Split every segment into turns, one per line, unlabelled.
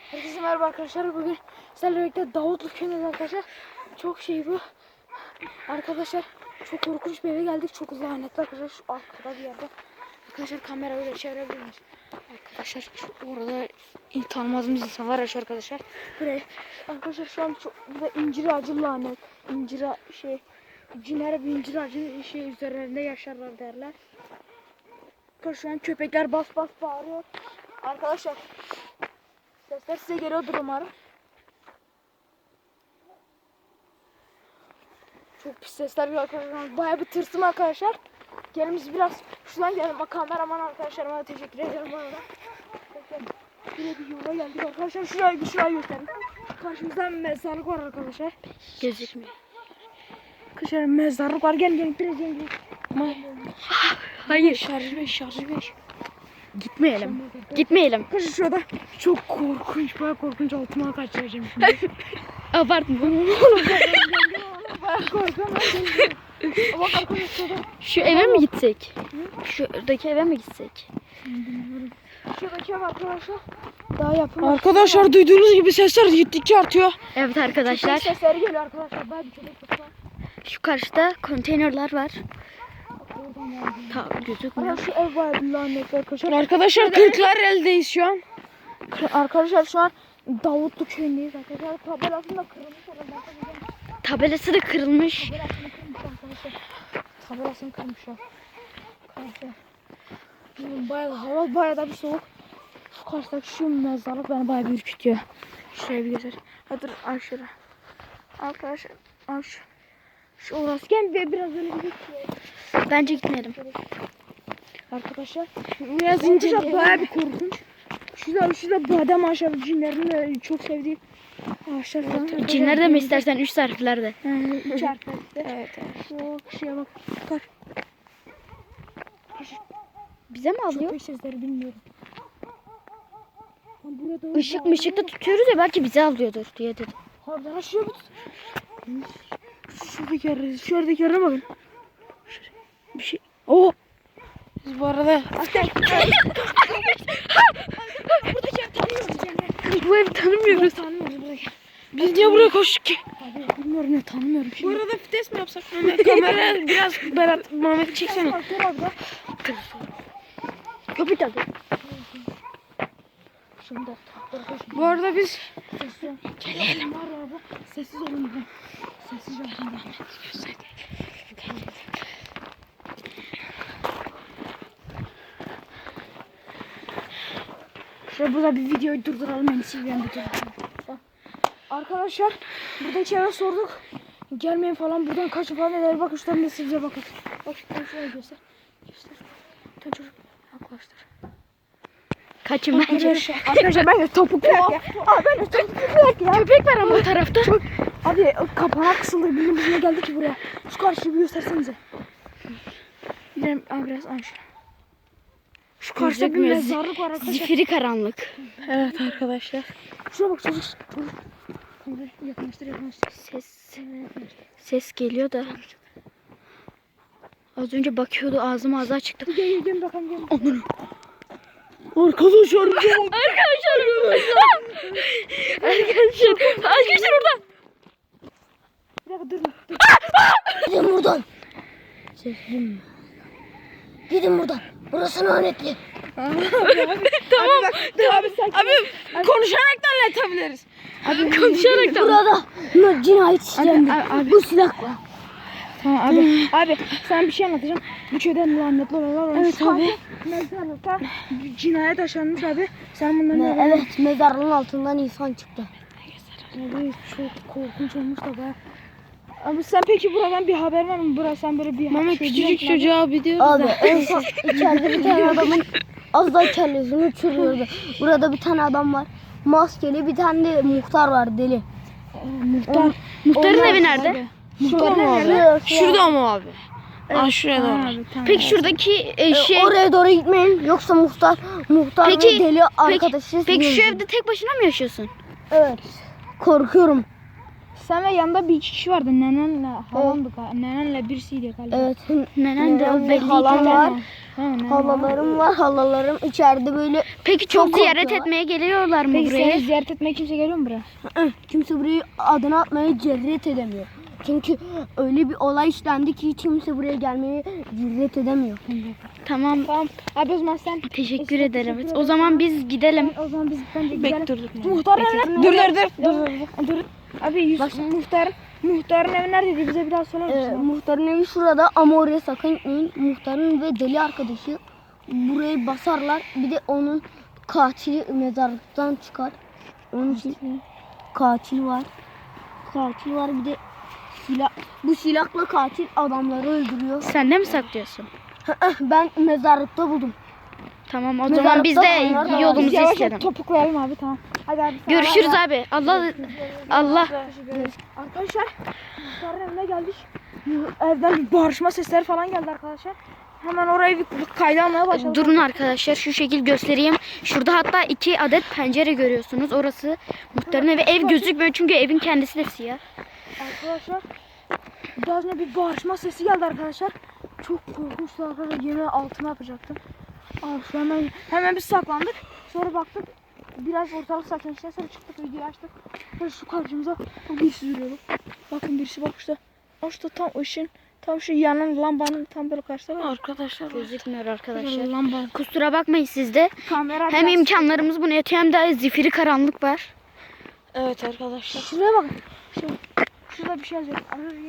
Herkese merhaba arkadaşlar. Bugün sizlerle birlikte Davutlu köyündeyiz arkadaşlar. Çok bu. Arkadaşlar çok korkunç bir eve geldik. Çok lanetli arkadaşlar. Şu arkada bir yerde. Arkadaşlar kamera öyle çevirebilir miyiz? Arkadaşlar orada tanımadığımız insanlar yaşıyor arkadaşlar. Buraya arkadaşlar şu an burada incir ağacı lanet. Cinler bir incir ağacı üzerinde yaşarlar derler. Şu an köpekler bas bağırıyor. Arkadaşlar sesler size geliyordur umarım. Çok pis sesler geliyor arkadaşlar. Bayağı bir tırsım arkadaşlar. Gelin biz biraz şuradan gidelim. Kameraman arkadaşlarıma da teşekkür ederim bu arada. Yine bir yola geldik arkadaşlar. Şurayı göstereyim. Karşımızda mezarlık var arkadaşlar.
Gözükmüyor.
Arkadaşlar mezarlık var. Gelin biraz gelin.
Hayır.
Şarjı 5.
Gitmeyelim.
Arkadaşlar şurada çok korkunç, bayağı korkunç altıma kaçıracağım şimdi.
Abartma.
Bayağı korkuyorum. Ama arkadaşlar şurada.
Şu eve mi gitsek? Şuradaki eve mi gitsek?
Bilmiyorum. Şuradaki ev arkadaşlar daha yapılmadı. Arkadaşlar duyduğunuz gibi sesler gittikçe artıyor.
Evet arkadaşlar.
Köpek sesleri geliyor arkadaşlar. Bayağı bir köpek var.
Şu karşıda konteynerler var. Gözükmüyor.
Şu ev bayağı bir lanetli arkadaşlar. Arkadaşlar Kırklareli'deyiz şu an. Arkadaşlar şu an Davutlu köyündeyiz arkadaşlar. Tabelasını da kırılmış arkadaşlar.
Tabelası da kırılmış.
Tabelasını kırmışlar. Hava bayağı da bir soğuk. Şu karşıdaki şu mezarlık beni bayağı bir ürkütüyor. Şuraya bir göster. Hadi aşağı. Arkadaşlar aşağı. Şu orası gel biraz öyle bir
Bence gitmeyelim.
Arkadaşlar biraz ince bayağı bir korkunç. Şurada badem ağaçları cinlerin de çok sevdiğim ağaçlar falan.
Cinler de mi istersen 3 harflerde?
3 harflerde. Evet. Şu şeye bak.
Bize mi alıyor?
Köpek sesleri bilmiyorum.
Işık da tutuyoruz ya, belki bize alıyordur diye dedim.
Harbiden aşağıya tut. Şuradaki yerine bakın. Bir şey. Oh. Biz bu arada. Buradaki ev tanımıyoruz yani.
Bu evi tanımıyoruz.
Biz niye buraya koştuk ki? Abi bilmiyorum ya, tanımıyorum şimdi. Bu arada vites mi yapsak? Kamera biraz Berat Mehmet'i çeksene.
Kapı tadı.
Bu arada biz gelelim. Sessiz olun. Sessiz olun. Şöyle burada bir videoyu durduralım. Ben sileceğim bir durduralım. Arkadaşlar burada içeri sorduk. Gelmeyin falan, buradan kaçın falan eder. Bakın şuradan da sileceğim bakın. Bak şuraya göster. Sen çocuk yaklaştır.
Kaçın bence.
Arkadaşlar ben de topuklu ya. Ben de topuklu ya.
Köpek var ama o tarafta.
Hadi kapağı kısıldı. Biz ne geldik ki buraya? Şu karşıyı bir göstersenize. Gidelim biraz aşağı. Şu karşıda bir mezarlık var arkadaşlar.
Zifiri karanlık.
Evet arkadaşlar. Şuna bak çocuk. Yakınlaştır.
Ses geliyor da. Az önce bakıyordu, ağzı açıktı.
Gel bakalım.
Aman.
Arkadaşlar
orada.
Bir dakika dur.
Gidin buradan. Gidin buradan. Burası lanetli.
Tamam.
Abi konuşarak da anlatabiliriz.
Konuşarak da.
Burada cinayet işlemi. Bu silah var.
Tamam abi sana bir şey anlatacağım. Bu köyde lanetli olaylar olmuş. Evet abi. Mezarlıkta cinayet yaşanmış abi. Sen bundan
Evet, mezarlığın altından insan çıktı.
Abi çok korkunç olmuş da be. Abi sen peki buradan bir haber var mı? Burası sen böyle bir
Mama küçücük çocuğa bir diyoruz
Abi
da.
en son içeride bir tane adamın az daha kellesini uçuruyordu. Burada bir tane adam var. Maskeli, bir tane de muhtar var, deli.
Muhtarın evi nerede?
Muhtarın evi
nerede?
Şurada mı abi? Evet, şuraya doğru.
Peki şuradaki
Oraya doğru gitmeyin, yoksa muhtar
Peki,
ve deli arkadaşı.
Peki şu evde tek başına mı yaşıyorsun?
Evet. Korkuyorum.
Sen ve yanında bir iki kişi vardı. Nenenle halamdı galiba. Nenenle birisiydi galiba.
Evet.
Nenen de o
Nenem ve
belli.
halam var.
Nenen
Halalarım var. Halalarım içeride böyle.
Peki çok
Çok
ziyaret
korkuyorlar.
etmeye geliyorlar mı
Peki
buraya?
seni ziyaret etmeye kimse geliyor mu buraya?
Kimse burayı adını atmaya cüret edemiyor. Çünkü öyle bir olay işlendi ki hiç kimse buraya gelmeye cüret edemiyor.
Tamam.
Tamam. Abi o zaman sen
Teşekkür ederim. O zaman biz gidelim.
o zaman biz bence gidelim.
Bekliyorduk.
Muhtar evi. Dur. Abi muhtarın evi neredeydi? Bize bir daha söyler misin?
Muhtarın evi şurada ama oraya sakın gitmeyin. Muhtarın ve deli arkadaşı burayı basarlar. Bir de onun katili mezarlıktan çıkar. Onun için katil var. Katil var bir de silah. Bu silahla katil adamları öldürüyor.
Sen de mi saklıyorsun?
Ben mezarlıkta buldum.
Tamam o
Mezarlıkta
zaman biz de
bunlar da var.
yolumuzu
Biz yavaş
istedim.
yavaş topuklayalım abi tamam. Hadi abi.
Görüşürüz abi. Allah.
Arkadaşlar muhtarın evine geldik. Evden bir bağırışma sesleri falan geldi arkadaşlar. Hemen orayı bir kayda almaya başladık.
Durun arkadaşlar şu şekil göstereyim. Şurada hatta 2 adet pencere görüyorsunuz. Orası muhtarın evi. Ev gözükmüyor çünkü evin kendisi de siyah.
Arkadaşlar biraz önce bir bağırışma sesi geldi arkadaşlar. Çok korkunçtu arkadaşlar. Yemin altına yapacaktım. Abi şu hemen biz saklandık. Sonra baktık biraz ortalık sakinleşti. Sonra çıktık videoyu açtık. Böyle şu karşımıza birisi yürüyordu. Bakın birisi bak işte. İşte tam ışın tam şu yanan lambanın tam böyle karşısında var. Arkadaşlar
Gözükmüyor arkadaşlar.
lamba.
Kusura bakmayın siz de.
Kamera
Hem
biraz-
imkanlarımız bunu yetiyor hem de zifiri karanlık var.
Evet arkadaşlar. Şuraya bakın. Şurada bir şey yazıyor.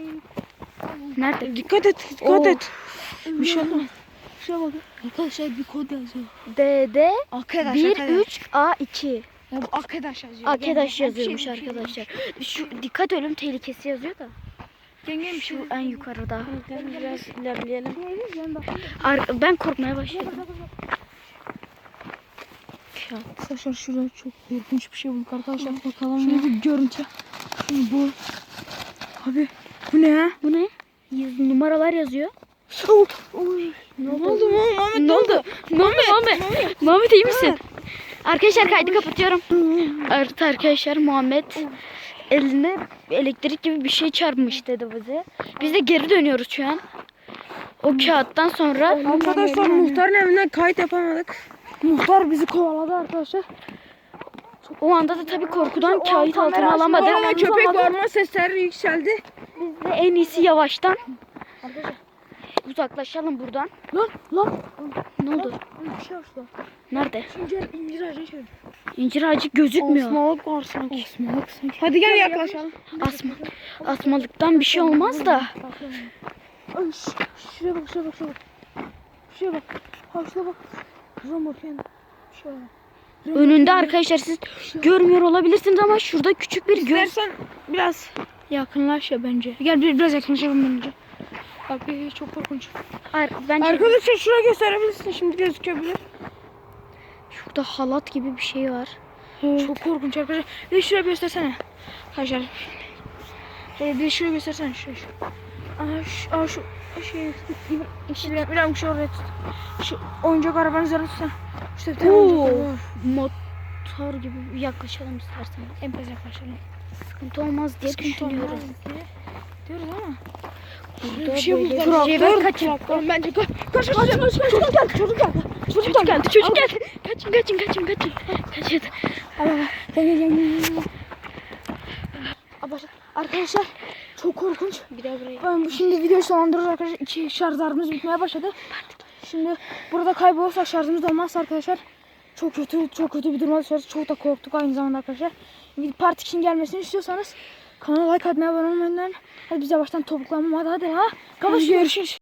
Nerede?
Dikkat et, dikkat et. Bir şey olmaz. Şuraya bakın. Arkadaşlar bir kod yazıyor.
DD
Arkadaş,
13A2.
Ya bu arkadaş yazıyor.
Arkadaş
Gel,
yazıyormuş
bir şey.
arkadaşlar. Şu dikkat ölüm tehlikesi yazıyor da.
Yengem bir
Şu en yukarıda.
biraz ilerleyelim.
Ben korkmaya başladım.
Arkadaşlar şurada çok korkunç bir şey bulduk arkadaşlar. Bakalım. Şöyle bir görüntü. Şimdi bu. Abi bu ne ya?
Bu ne? Numaralar yazıyor.
Oy.
Ne oldu?
Muhammed?
Ne oldu? Ne oldu Muhammed? Muhammed iyi misin? Arkadaşlar kaydı kapatıyorum. Evet arkadaşlar Muhammed eline elektrik gibi bir şey çarpmış dedi bize. Biz de geri dönüyoruz şu an. O kağıttan sonra
Arkadaşlar muhtarın evinden kayıt yapamadık. Muhtar bizi kovaladı arkadaşlar.
o anda da tabii korkudan kağıt altına alamadık.
Ama köpek bağırma sesleri yükseldi.
Biz de en iyisi yavaştan uzaklaşalım buradan.
Lan.
Ne oldu?
Bir şey var şurada.
Nerede?
İncir ağacı şöyle.
İncir ağacı gözükmüyor.
Osmalık var sanki. Hadi gel yaklaşalım.
Asmalıktan bir şey olmaz da.
Ay, şuraya bak. Şuraya bak. Ha şuraya bak. Şuraya bak yani. Şöyle.
Önünde arkadaşlar siz görmüyor olabilirsiniz ama şurada küçük bir göz.
İstersen biraz yakınlaş ya bence. Gel biraz yakınlaşalım bence. Abi çok korkunç.
Bence
Arkadaşlar şuraya gösterebilirsin şimdi gözükebilir.
şurada halat gibi bir şey var.
Çok korkunç arkadaşlar. Bir de şuraya göstersene. Arkadaşlar. Bir de şuraya göstersene. Şuraya. Şu şey. Bir şu oraya tut. Şu oyuncak arabanın üzerine tutsana. İşte bir tane oyuncak araba var.
Motor gibi bir yaklaşalım isterseniz.
En fazla yaklaşalım.
Sıkıntı olmaz diye düşünüyoruz.
Diyoruz ama.
Burada
Bir şey
böyle
bulduk.
bir şey var. Kaçın.
Bence kaç. Çocuk geldi.
Çocuk geldi. Kaçın. Kaçın.
Arkadaşlar çok korkunç.
Bir daha buraya.
Ben şimdi videoyu sonlandırıyoruz arkadaşlar. 2 şarjlarımız bitmeye başladı. Şimdi burada kaybolursak şarjımız da olmazsa arkadaşlar çok kötü bir duruma düşeriz. Çok da korktuk aynı zamanda arkadaşlar. Part 2'nin gelmesini istiyorsanız kanala like atmayı, abone olmayı unutmayın. Hadi biz yavaştan topuklanmam hadi ha. Görüşürüz.